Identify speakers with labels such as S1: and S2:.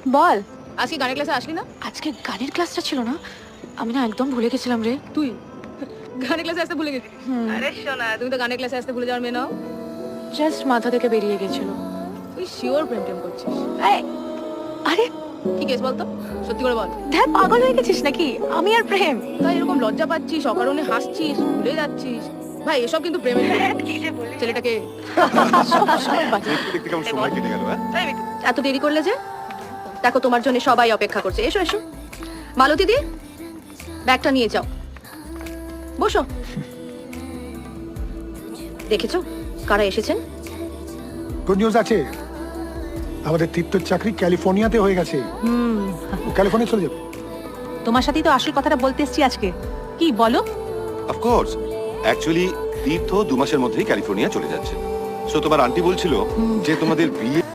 S1: বল।
S2: আজকে গানের ক্লাসে আসলি না?
S1: আজকে গানের ক্লাসটা ছিল না, আমি না একদম ভুলে গেছিলাম রে।
S2: তুই গানের ক্লাসে আসতে ভুলে গেছিস? আরে শোনা, তুমি তো গানের ক্লাসে আসতে ভুলে যাওয়ার মেয়ে নাও।
S1: জাস্ট মাথা থেকে বেরিয়ে গেছিল।
S2: তুই শিওর প্রেম টেম করছিস?
S1: আরে
S2: কি কেস বলতো, সত্যি করে বল।
S1: ধ্যান, পাগল হয়ে গেছিস নাকি? আমি আর প্রেম?
S2: তাই এরকম লজ্জা পাচ্ছিস, অকারণে হাসছিস, ভুলে যাচ্ছিস। ভাই এসব কিন্তু প্রেমের ছেলেটাকে
S3: দেখতে কেমন সময় কেটে গেল।
S2: এত দেরি করলে যে? দেখো তোমার জন্য সবাই অপেক্ষা করছে, এসো এসো। মালতী দি, ব্যাগটা নিয়ে যাও, বসো। দেখেছো কারা এসেছেন?
S4: গুড নিউজ আছে, আমাদের তীর্থর চাকরি ক্যালিফোর্নিয়াতে হয়ে গেছে। ও ক্যালিফোর্নিয়া চলে যাবে।
S1: তোমার সাথেই তো আসল কথাটা বলতে এসেছি আজকে। কি বলো?
S3: অফকোর্স, অ্যাকচুয়ালি তীর্থ 2 মাসের মধ্যেই ক্যালিফোর্নিয়া চলে যাচ্ছে। সো তোমার আন্টি বলছিল যে তোমাদের বিয়ে